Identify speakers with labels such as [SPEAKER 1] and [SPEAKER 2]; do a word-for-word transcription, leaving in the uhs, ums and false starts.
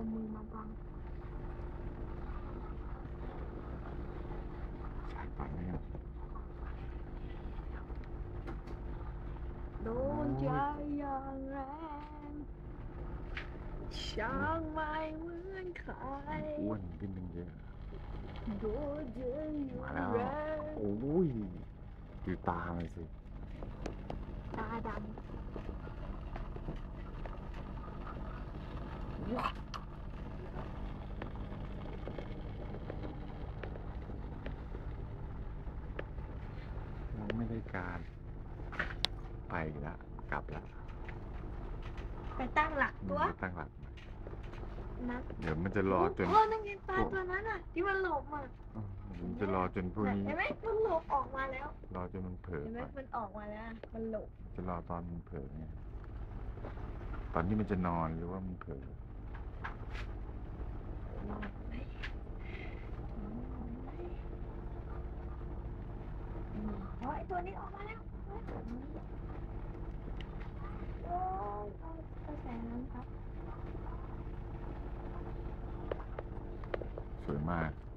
[SPEAKER 1] เอามือมาบัง
[SPEAKER 2] สายปั่นนี่
[SPEAKER 1] โดนใจอย่างแรงช่างไม่เหมือนใคร
[SPEAKER 2] อ้วนขึ้นตั้งเยอะ
[SPEAKER 1] โดนใจอย่า
[SPEAKER 2] มา
[SPEAKER 1] ง
[SPEAKER 2] แล้ว
[SPEAKER 1] แรง
[SPEAKER 2] โอ้ยดูตามันสิ
[SPEAKER 1] ตาดำว้า
[SPEAKER 2] มันไม่ได้การไปอีกแล้วกลับแล้ว
[SPEAKER 1] ไปตั้งหลัก
[SPEAKER 2] มัน
[SPEAKER 1] ตัว
[SPEAKER 2] จะตั้งหลักใหม่
[SPEAKER 1] นะ
[SPEAKER 2] เดี๋ยวมันจะรอจน
[SPEAKER 1] โอ้นั่นไงปลาตัวนั้นอ่ะที่มันหลบอ่ะ
[SPEAKER 2] เออมันจะรอจนพวกนี้
[SPEAKER 1] เห็นไหมมันหลบออกมาแล้ว
[SPEAKER 2] รอจนมันเผลอ
[SPEAKER 1] เห็นไหม
[SPEAKER 2] ไป
[SPEAKER 1] มันออกมาแล้วมันหลบ
[SPEAKER 2] จะรอตอนมันเผลอไงตอนที่มันจะนอนหรือว่ามันเผลอ
[SPEAKER 1] นอนไหมนอนไหมอืมโอ้ยตัวนี้ออกมาแล้วโอ้ยตัวนี้โอ้ยเอากระแสน้ำครับ
[SPEAKER 2] สวยมาก